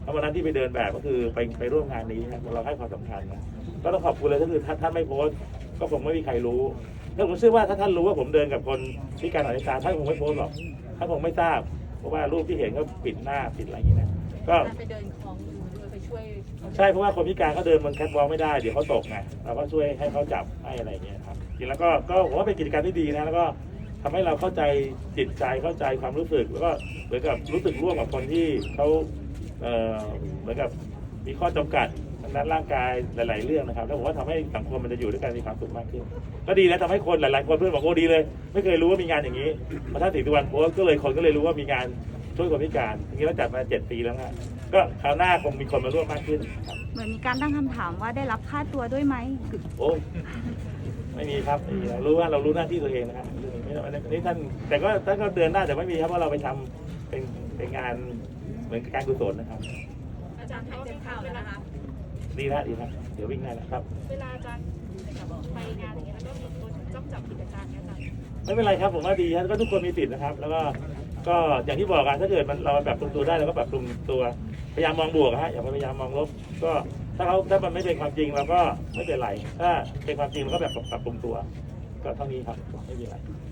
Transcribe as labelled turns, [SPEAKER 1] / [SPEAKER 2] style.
[SPEAKER 1] แล้ววันนั้นที่ไปเดินแบบก็คือไปร่วมงานนี้ครับเราให้ความสำคัญนะก็ต้องขอบคุณเลยก็คือถ้าท่านไม่โพสต์ก็คงไม่มีใครรู้ถ้าผมเชื่อว่าถ้าท่านรู้ว่าผมเดินกับคนพิการทางสายตาท่านคงไม่โพสต์หรอกท่านคงไม่ทราบเพราะว่ารูปที่เห็นก็ปิดหน้าปิดอะไรอย่างนี้นะก็
[SPEAKER 2] ไปเดินคลองมือด้วยไปช่วย
[SPEAKER 1] ใช่เพราะว่าคนพิการเขาเดินบนแคทวอล์กไม่ได้เดี๋ยวเขาตกไงเราก็ช่วยให้เขาจับให้อะไรอย่างเงี้ยครับจริงแล้วก็ผมว่าเป็นกิจกรรมที่ดีนะแล้วก็ทำให้เราเข้าใจจิตใจเข้าใจความรู้สึกแล้วก็เหมือนกับรู้สึกร่วมกับคนที่เขาเหมือนกับมีข้อจำกัดทางด้านร่างกายหลายๆเรื่องนะครับแล้วผมว่าทำให้สังคมมันจะอยู่ด้วยกันมีความสุขมากขึ้นก็ดีนะทำให้คนหลายๆคนเพื่อนบอกโอ้ดีเลยไม่เคยรู้ว่ามีงานอย่างนี้พอท่านศรีสุวรรณโพสต์ก็เลยคนก็เลยรู้ว่ามีงานช่วยคนพิการทีนี้เราจัดมา7 ปีแล้วนะก็คราวหน้าคงมีคนมาร่วมมากขึ้นครับ
[SPEAKER 3] เหมือนมีการตั้งคำถามว่าได้รับค่าตัวด้วยไหม
[SPEAKER 1] โอ้ยไม่มีครับไม่มีเรารู้ว่าเรารู้หน้าที่ตัวเองนะครับไม่นี่ท่านแต่ก็ท่านก็เดือนหน้าแต่ไม่มีครับเพราะเราไปทำเป็นงานเหมือนการกุศลนะครับ
[SPEAKER 2] อาจารย์ให้เต็มข่าวแล้วนะคะ
[SPEAKER 1] ดีนะเดี๋ยววิ่งได้แล้วครับ
[SPEAKER 2] เวลาอาจารย์ไปงานอย่างเงี้ยแล้วก็มีคนจ้องจับผิดอาจารย์เนี่ยอาจารย์
[SPEAKER 1] ไม่เป็นไรครับผมว่าดีครับก็ทุกคนมีสิทธิ์นะครับ แล้วก็อย่างที่บอกกันถ้าเกิดมันเราปรับปรุงตัวได้เราก็ปรับปรุงตัวพยายามมองบวกฮะอย่าพยายามมองลบก็ถ้ามันไม่เป็นความจริงเราก็ไม่เป็นไรถ้าเป็นความจริงเราก็แบบปรับปรุงตัวก็เท่านี้ครับไม่มีอะไร